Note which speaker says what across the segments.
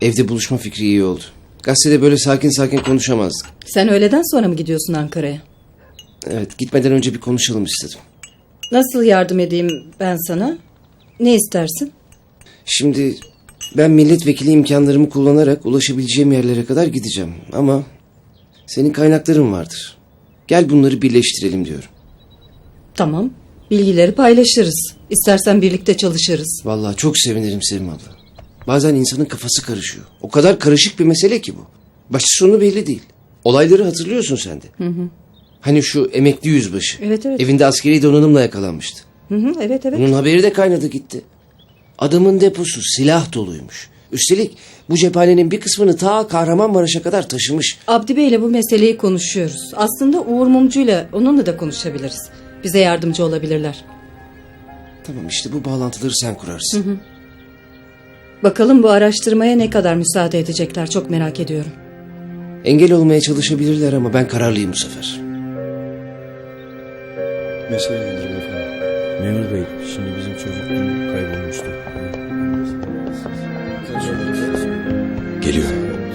Speaker 1: Evde buluşma fikri iyi oldu. Gazetede böyle sakin sakin konuşamazdık.
Speaker 2: Sen öğleden sonra mı gidiyorsun Ankara'ya?
Speaker 1: Evet, gitmeden önce bir konuşalım istedim.
Speaker 2: Nasıl yardım edeyim ben sana? Ne istersin?
Speaker 1: Şimdi ben milletvekili imkanlarımı kullanarak ulaşabileceğim yerlere kadar gideceğim. Ama senin kaynakların vardır. Gel bunları birleştirelim diyorum.
Speaker 2: Tamam. Bilgileri paylaşırız. İstersen birlikte çalışırız.
Speaker 1: Vallahi çok sevinirim Sevim abla. Bazen insanın kafası karışıyor. O kadar karışık bir mesele ki bu. Başı sonu belli değil. Olayları hatırlıyorsun sen de. Hani şu emekli yüzbaşı.
Speaker 2: Evet.
Speaker 1: Evinde askeri donanımla yakalanmıştı.
Speaker 2: Evet.
Speaker 1: Bunun haberi de kaynadı gitti. Adamın deposu silah doluymuş. Üstelik bu cephanenin bir kısmını ta Kahramanmaraş'a kadar taşımış.
Speaker 2: Abdi Bey'le bu meseleyi konuşuyoruz. Aslında Uğur Mumcu'yla onunla da konuşabiliriz. Bize yardımcı olabilirler.
Speaker 1: Tamam, işte bu bağlantıları sen kurarsın.
Speaker 2: Bakalım bu araştırmaya ne kadar müsaade edecekler, çok merak ediyorum.
Speaker 1: Engel olmaya çalışabilirler ama ben kararlıyım bu sefer.
Speaker 3: Mesele nedir efendim?
Speaker 4: Memur Bey, şimdi bizim çocuk dün kaybolmuştu.
Speaker 3: Geliyor.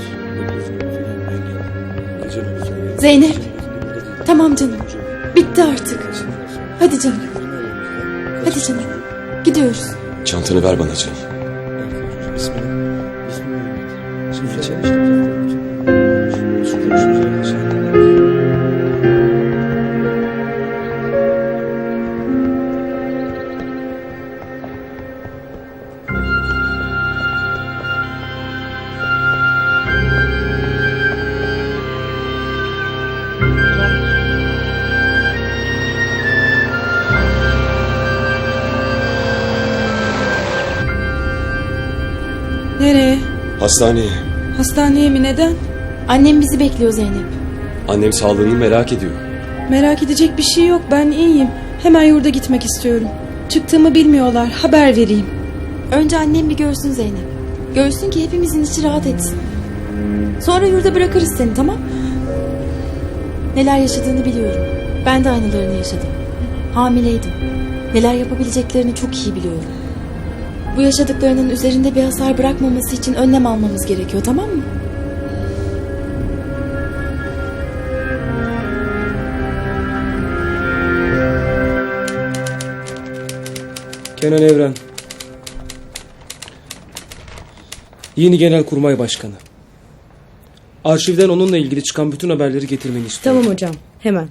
Speaker 5: Zeynep. Tamam canım. Bitti artık. Hadi canım. Hadi canım. Gidiyoruz.
Speaker 3: Çantanı ver bana canım.
Speaker 5: Nereye?
Speaker 3: Hastaneye.
Speaker 5: Hastaneye mi, neden?
Speaker 6: Annem bizi bekliyor Zeynep.
Speaker 3: Annem sağlığını merak ediyor.
Speaker 5: Merak edecek bir şey yok, ben iyiyim. Hemen yurda gitmek istiyorum. Çıktığımı bilmiyorlar, haber vereyim.
Speaker 6: Önce annem bir görsün Zeynep. Görsün ki hepimizin içi rahat etsin. Sonra yurda bırakırız seni, tamam? Neler yaşadığını biliyorum. Ben de aynılarını yaşadım. Hamileydim. Neler yapabileceklerini çok iyi biliyorum. Bu yaşadıklarının üzerinde bir hasar bırakmaması için önlem almamız gerekiyor, tamam mı?
Speaker 7: Kenan Evren, yeni Genelkurmay Başkanı. Arşivden onunla ilgili çıkan bütün haberleri getirmeni istiyorum.
Speaker 2: Tamam hocam, hemen.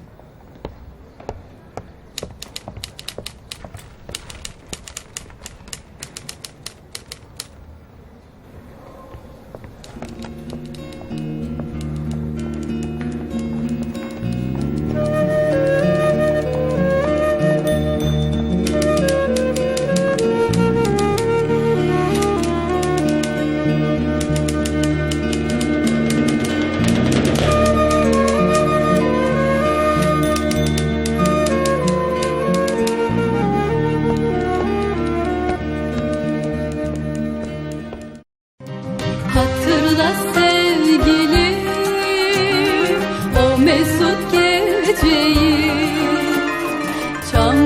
Speaker 8: Hatırla sevgilim, o mesut geceyi.